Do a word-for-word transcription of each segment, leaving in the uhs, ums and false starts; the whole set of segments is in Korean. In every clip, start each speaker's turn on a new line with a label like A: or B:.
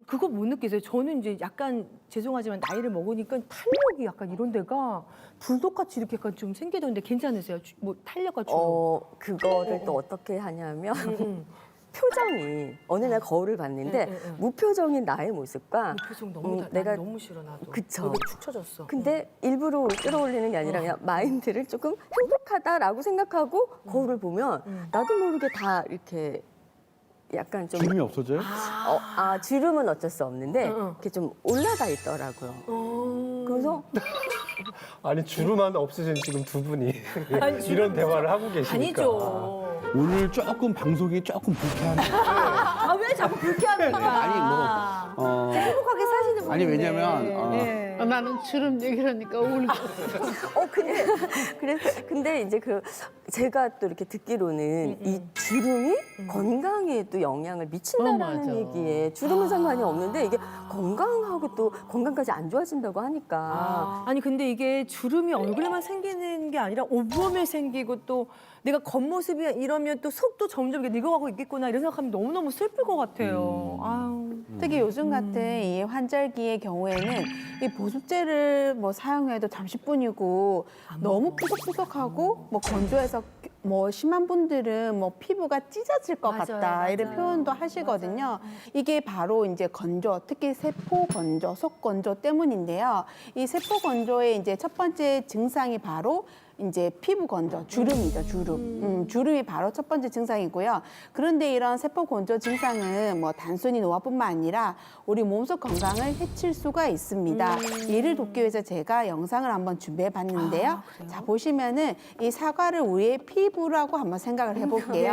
A: 그거 못 느끼세요? 저는 이제 약간 죄송하지만 나이를 먹으니까 탄력이 약간 이런 데가 불독같이 이렇게 약간 좀 생기던데 괜찮으세요? 주- 뭐 탄력과 주름?
B: 어, 그거를 또 어떻게 하냐면
A: 응, 응.
B: 표정이 어느 날 거울을 봤는데
A: 응, 응, 응.
B: 무표정인 나의 모습과
A: 이 표정 너무
B: 음,
A: 다,
B: 내가
A: 내가 너무 싫어 나도.
B: 그쵸.
A: 여기 축 처졌어.
B: 근데 일부러 끌어올리는 게 아니라 그냥 마인드를 조금 행복하다라고 생각하고 거울을 보면 나도 모르게 다 이렇게 약간 좀
C: 주름이 없어져요?
B: 어, 아 주름은 어쩔 수 없는데
A: 응, 응.
B: 이렇게 좀 올라가 있더라고요.
A: 어...
B: 그래서
D: 아니 주름만 없으신 지금 두 분이
A: 아니,
D: 이런 대화를 하고 계시니까.
A: 아니죠.
C: 오늘 조금 방송이 조금 불쾌하네.
A: 아 왜 자꾸 불쾌합니까?
C: 아니 뭐 어,
A: 행복하게 사시는 분인데.
C: 아니 왜냐면 어,
A: 네.
E: 아, 나는 주름 얘기하니까 울고.
B: 어 근데 그래 근데 이제 그 제가 또 이렇게 듣기로는 이 주름이 건강에 또 영향을 미친다라는
E: 어, 맞아.
B: 얘기에 주름은 상관이 없는데 이게 건강하고 또 건강까지 안 좋아진다고 하니까
A: 아, 아니 근데 이게 주름이 얼굴에만 생기는 게 아니라 온몸에 생기고 또 내가 겉모습이 이러면 또 속도 점점 이렇게 늙어가고 있겠구나 이런 생각하면 너무너무 슬플 것 같아요. 아유.
F: 특히 요즘 같은 이 환절기의 경우에는 이 보습제를 뭐 사용해도 잠시뿐이고 너무 푸석푸석하고 뭐 건조해서 뭐 심한 분들은 뭐 피부가 찢어질 것
A: 맞아요,
F: 같다
A: 맞아요.
F: 이런 표현도 하시거든요. 이게 바로 이제 건조, 특히 세포 건조, 속 건조 때문인데요. 이 세포 건조의 이제 첫 번째 증상이 바로 이제 피부 건조, 주름이죠, 주름. 음, 주름이 바로 첫 번째 증상이고요. 그런데 이런 세포 건조 증상은 뭐 단순히 노화뿐만 아니라 우리 몸속 건강을 해칠 수가 있습니다. 이를 돕기 위해서 제가 영상을 한번 준비해 봤는데요. 자, 보시면은 이 사과를 우리의 피부라고 한번 생각을 해볼게요.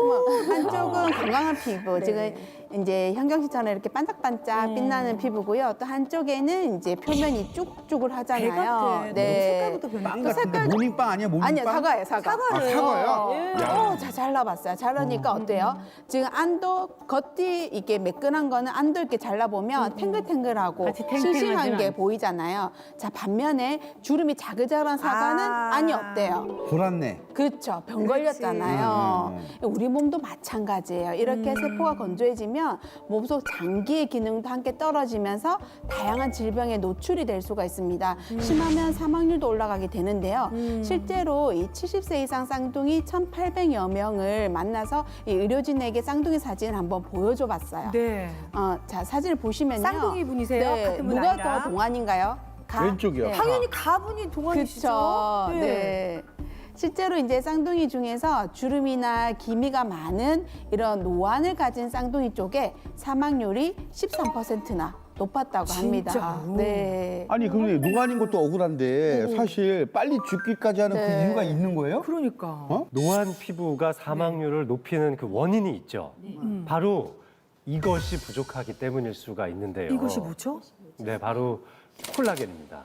F: 한쪽은 건강한 피부, 지금 이제 현경 씨처럼 이렇게 반짝반짝 빛나는 피부고요. 또 한쪽에는 이제 표면이 쭉쭉을 하잖아요.
A: 배 같아. 색깔부터 변해.
C: 빵
F: 또
C: 같은데
F: 색깔
C: 모닝빵 아니야 모닝빵?
F: 아니요, 사과예요, 사과.
C: 아, 사과예요?
F: 예. 어, 자, 잘라봤어요. 잘라니까 어때요? 지금 안도 겉이 이게 매끈한 거는 안도 이렇게 잘라보면 탱글탱글하고
E: 같이 탱탱하진
F: 싱싱한 게
E: 않지.
F: 보이잖아요. 자, 반면에 주름이 자글자글한 사과는
A: 아.
F: 안이 어때요?
C: 돌았네.
F: 그렇죠. 병 걸렸잖아요. 우리 몸도 마찬가지예요. 이렇게 세포가 건조해지면 몸속 장기의 기능도 함께 떨어지면서 다양한 질병에 노출이 될 수가 있습니다. 심하면 사망률도 올라가게 되는데요. 실제로 이 칠십 세 이상 쌍둥이 천팔백여 명을 만나서 이 의료진에게 쌍둥이 사진을 한번 보여줘 봤어요.
A: 네.
F: 어, 자, 사진을 보시면요.
A: 쌍둥이 분이세요?
F: 네,
A: 같은 분
F: 누가
A: 아니라?
F: 더 동안인가요? 가?
C: 왼쪽이요.
F: 네.
A: 당연히 가분이 동안이시죠.
F: 그렇죠. 네. 실제로 이제 쌍둥이 중에서 주름이나 기미가 많은 이런 노안을 가진 쌍둥이 쪽에 사망률이 십삼 퍼센트나 높았다고 합니다.
A: 진짜요?
F: 네.
C: 아니 근데 노안인 것도 억울한데 사실 빨리 죽기까지 하는 그
F: 네.
C: 이유가 있는 거예요?
A: 그러니까.
C: 어?
D: 노안 피부가 사망률을 높이는 그 원인이 있죠. 바로 이것이 부족하기 때문일 수가 있는데요.
A: 이것이 뭐죠?
D: 네, 바로 콜라겐입니다.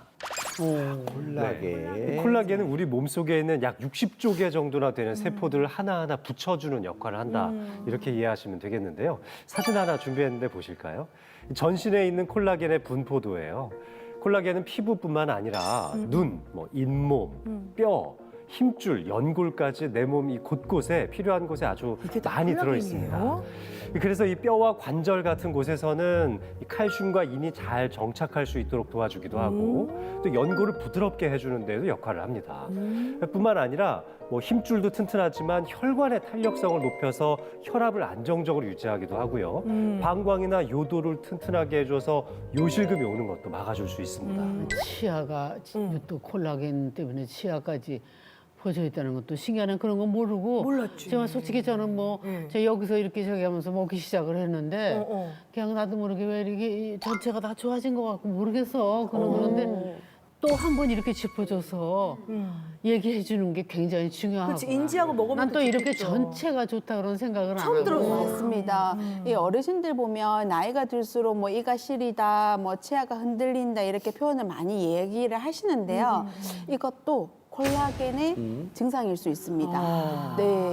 C: 콜라겐.
D: 네. 콜라겐은 우리 몸속에 있는 약 육십조 개 정도나 되는 세포들을 하나하나 붙여주는 역할을 한다. 이렇게 이해하시면 되겠는데요. 사진 하나 준비했는데 보실까요? 전신에 있는 콜라겐의 분포도예요. 콜라겐은 피부뿐만 아니라 눈, 뭐 잇몸, 뼈, 힘줄, 연골까지 내 몸 이 곳곳에 필요한 곳에 아주
A: 이게 다
D: 많이 들어
A: 콜라겐이에요?
D: 있습니다. 그래서 이 뼈와 관절 같은 곳에서는 이 칼슘과 인이 잘 정착할 수 있도록 도와주기도 하고 또 연골을 부드럽게 해주는 데도 역할을 합니다. 뿐만 아니라 뭐 힘줄도 튼튼하지만 혈관의 탄력성을 높여서 혈압을 안정적으로 유지하기도 하고요. 방광이나 요도를 튼튼하게 해줘서 요실금이 오는 것도 막아줄 수 있습니다.
E: 치아가 또 콜라겐 때문에 치아까지 퍼져 있다는 것도 신기하네. 그런 건 모르고.
A: 몰랐지.
E: 정말 솔직히 저는 뭐 제가 여기서 이렇게 저기 하면서 먹기 시작을 했는데
A: 어, 어.
E: 그냥 나도 모르게 왜 이렇게 전체가 다 좋아진 것 같고 모르겠어. 그런 그런데 또 한 번 이렇게 짚어줘서 얘기해 주는 게 굉장히 중요하고.
A: 그렇지, 인지하고 먹으면
E: 난 또
A: 또
E: 이렇게
A: 좋겠죠.
E: 전체가 좋다 그런 생각을 안
A: 처음
E: 하고.
A: 들었어요.
F: 맞습니다. 이 어르신들 보면 나이가 들수록 뭐 이가 시리다, 뭐 치아가 흔들린다 이렇게 표현을 많이 얘기를 하시는데요. 이것도 콜라겐의 증상일 수 있습니다. 네.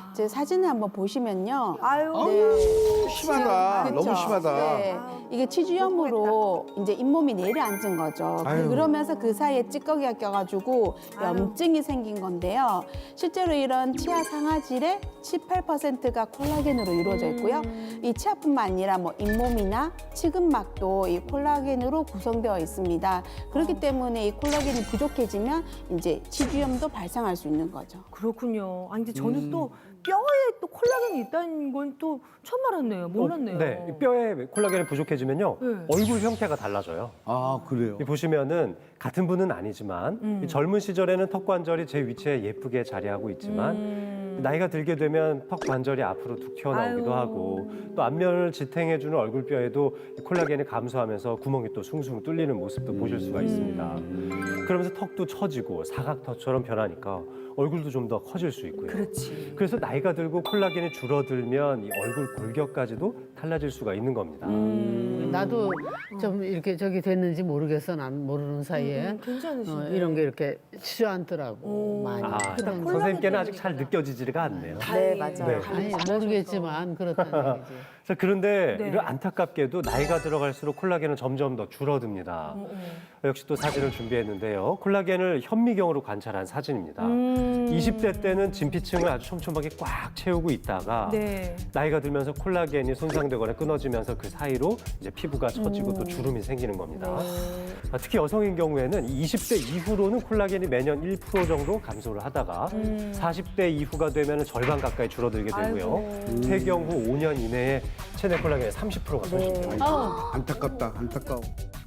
F: 제 사진을 한번 보시면요.
A: 아유.
F: 네.
C: 심하다.
F: 그쵸?
C: 너무 심하다.
F: 네. 이게 치주염으로 이제 잇몸이 내려앉은 거죠.
C: 아유.
F: 그러면서 그 사이에 찌꺼기가 껴가지고 염증이 생긴 건데요. 실제로 이런 치아 상아질의 칠, 팔 퍼센트가 콜라겐으로 이루어져 있고요. 이 치아뿐만 아니라 뭐 잇몸이나 치근막도 이 콜라겐으로 구성되어 있습니다. 그렇기 때문에 이 콜라겐이 부족해지면 이제 치주염도 발생할 수 있는 거죠.
A: 그렇군요. 아니 근데 저는
C: 음.
A: 또 뼈에 또 콜라겐이 있다는 건 또 처음 알았네요. 몰랐네요.
D: 어, 네, 이 뼈에 콜라겐이 부족해지면요.
A: 네.
D: 얼굴 형태가 달라져요.
C: 아, 그래요?
D: 이 보시면은 같은 분은 아니지만
A: 음.
D: 이 젊은 시절에는 턱 관절이 제 위치에 예쁘게 자리하고 있지만
A: 음.
D: 나이가 들게 되면 턱 관절이 앞으로 툭 튀어나오기도
A: 아유.
D: 하고 또 앞면을 지탱해주는 얼굴뼈에도 이 콜라겐이 감소하면서 구멍이 또 숭숭 뚫리는 모습도 보실 수가 있습니다. 그러면서 턱도 처지고 사각턱처럼 변하니까 얼굴도 좀 더 커질 수 있고요.
A: 그렇지.
D: 그래서 나이가 들고 콜라겐이 줄어들면 이 얼굴 골격까지도 달라질 수가 있는 겁니다.
E: 나도 좀 이렇게 저기 됐는지 모르겠어. 난 모르는 사이에
A: 음, 괜찮으시네.
E: 어, 이런 게 이렇게 주저앉더라고
A: 오.
E: 많이.
D: 아,
A: 그다음
D: 선생님께는 아직 잘 느껴지지가 않네요.
B: 네, 맞아요.
D: 네.
E: 아니 모르겠지만 그렇다는 얘기지.
D: 자, 그런데
A: 네.
D: 이런 안타깝게도 나이가 들어갈수록 콜라겐은 점점 더 줄어듭니다.
A: 어, 어.
D: 역시 또 사진을 준비했는데요. 콜라겐을 현미경으로 관찰한 사진입니다.
A: 음.
D: 이십 대 때는 진피층을 아주 촘촘하게 꽉 채우고 있다가
A: 네.
D: 나이가 들면서 콜라겐이 손상되거나 끊어지면서 그 사이로 이제 피부가 처지고 또 주름이 생기는 겁니다. 아, 특히 여성인 경우에는 이십 대 이후로는 콜라겐이 매년 일 퍼센트 정도 감소를 하다가 사십 대 이후가 되면 절반 가까이 줄어들게 되고요.
A: 아이고.
D: 폐경 후 오 년 이내에 체내 콜라겐의 삼십 퍼센트가 손실됩니다.
E: 아우,
C: 안타깝다, 안타까워.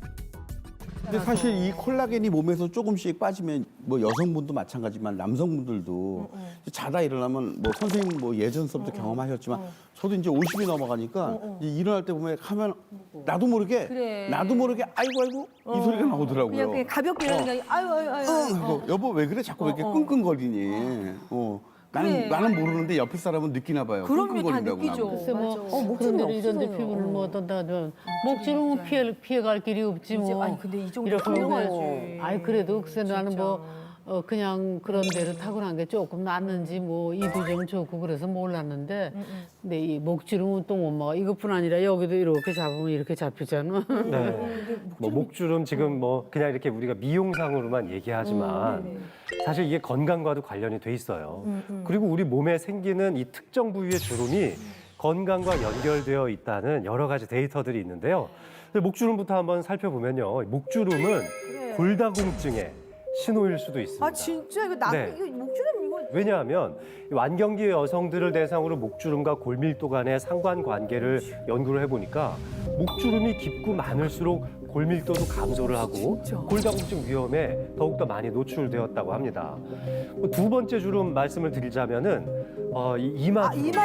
C: 근데 사실 이 콜라겐이 몸에서 조금씩 빠지면 뭐 여성분도 마찬가지지만 남성분들도 자다 일어나면 뭐 선생님 뭐 예전 서부터 경험하셨지만 저도 이제 오십이 넘어가니까 이제 일어날 때 보면 하면 나도 모르게
A: 그래.
C: 나도 모르게 아이고 아이고 이 소리가 나오더라고요.
A: 그냥, 그냥 가볍게 이러는 게 아니라 아유 아유 아유.
C: 응, 그래서 여보 왜 그래 자꾸 왜 이렇게 끙끙거리니? 어. 나는
A: 그래.
C: 나는 모르는데 옆에 사람은 느끼나 봐요.
A: 그럼요, 다
C: 끙끙거린다고
A: 느끼죠.
C: 나보고.
E: 글쎄 뭐
A: 맞아.
B: 어, 목줄이
E: 그런 데로 이런데
B: 없으세요.
E: 피부를 뭐 어떤다 하면 목주름은 피해 피해갈 길이 없지
A: 이제
E: 뭐.
A: 아니 근데 이 정도
E: 이렇게
A: 훌륭하지.
E: 보면 아이 그래도 글쎄 나는 뭐 어, 그냥 그런 데를 타고난 게 조금 낫는지 뭐 이도 좀 좋고 그래서 몰랐는데 근데 이 목주름은 또 엄마가 이것뿐 아니라 여기도 이렇게 잡으면 이렇게 잡히잖아.
D: 네. 뭐 목주름 지금 뭐 그냥 이렇게 우리가 미용상으로만 얘기하지만 사실 이게 건강과도 관련이 돼 있어요. 그리고 우리 몸에 생기는 이 특정 부위의 주름이 건강과 연결되어 있다는 여러 가지 데이터들이 있는데요. 근데 목주름부터 한번 살펴보면요. 목주름은 골다공증의 신호일 수도 있습니다.
A: 아 진짜 이거 나
D: 네.
A: 이거 목주름 이거
D: 왜냐하면 이 완경기 여성들을 대상으로 목주름과 골밀도 간의 상관관계를 연구를 해보니까 목주름이 깊고 많을수록 골밀도도 감소를 하고 골다공증 위험에 더욱더 많이 노출되었다고 합니다. 뭐두 번째 주름 말씀을 드리자면은 어, 이 이마
A: 아
D: 주름.
A: 이마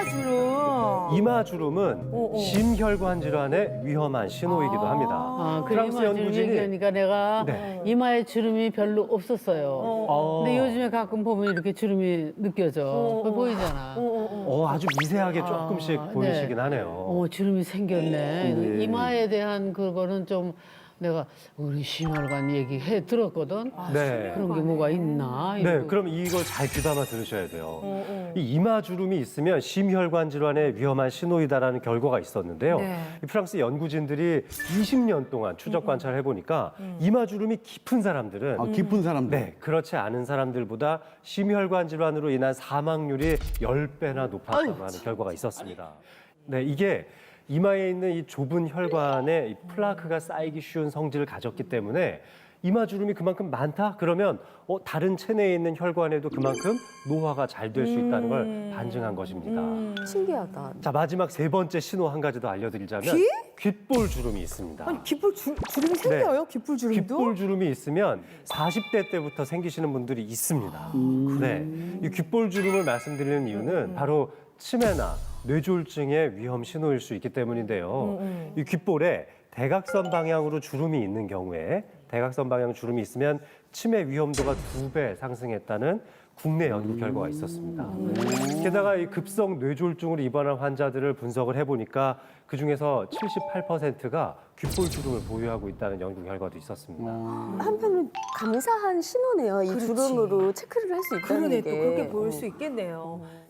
A: 주름.
D: 이마 주름은
A: 어, 어.
D: 심혈관 질환의 위험한 신호이기도
A: 아.
D: 합니다.
E: 아, 그
D: 프랑스
E: 이마 주름
D: 연구진이
E: 얘기하니까 내가
D: 네.
E: 이마에 주름이 별로 없었어요.
D: 어.
E: 근데 요즘에 가끔 보면 이렇게 주름이 느껴져.
A: 어,
E: 그거
A: 어.
E: 보이잖아.
A: 어, 어, 어.
D: 어, 아주 미세하게 조금씩
E: 아,
D: 보이시긴
E: 네.
D: 하네요.
E: 어, 주름이 생겼네.
C: 네.
E: 이마에 대한 그거는 좀 내가 우리 심혈관 얘기해 들었거든.
D: 네.
E: 그런 게 뭐가 있나?
D: 네,
E: 이러고.
D: 그럼 이걸 잘 귀담아 들으셔야 돼요.
A: 어, 어.
D: 이 이마 주름이 있으면 심혈관 질환의 위험한 신호이다라는 결과가 있었는데요.
A: 네.
D: 이 프랑스 연구진들이 이십 년 동안 추적 관찰해 보니까 이마 주름이 깊은 사람들은
C: 아, 깊은 사람들.
D: 네, 그렇지 않은 사람들보다 심혈관 질환으로 인한 사망률이 십 배나 높았다고 하는 결과가 있었습니다. 네, 이게 이마에 있는 이 좁은 혈관에 이 플라크가 쌓이기 쉬운 성질을 가졌기 때문에 이마 주름이 그만큼 많다? 그러면 어, 다른 체내에 있는 혈관에도 그만큼 노화가 잘 될 수 있다는 걸 반증한 것입니다.
B: 신기하다.
D: 자, 마지막 세 번째 신호 한 가지 더 알려드리자면
A: 귀?
D: 귓볼 주름이 있습니다.
A: 아니 귓볼 주, 주름이 생겨요? 귓볼 주름도?
D: 귓볼 주름이 있으면 사십 대 때부터 생기시는 분들이 있습니다. 네, 이 귓볼 주름을 말씀드리는 이유는 바로 치매나 뇌졸중의 위험 신호일 수 있기 때문인데요. 이 귓볼에 대각선 방향으로 주름이 있는 경우에 대각선 방향 주름이 있으면 치매 위험도가 두 배 상승했다는 국내 연구 결과가 있었습니다. 게다가 이 급성 뇌졸중으로 입원한 환자들을 분석을 해보니까 그중에서 칠십팔 퍼센트가 귓볼 주름을 보유하고 있다는 연구 결과도 있었습니다.
B: 한편으로 감사한 신호네요. 이
A: 그렇지.
B: 주름으로 체크를 할 수 있다는
A: 그러네
B: 게.
A: 또 그렇게 보일 수 있겠네요.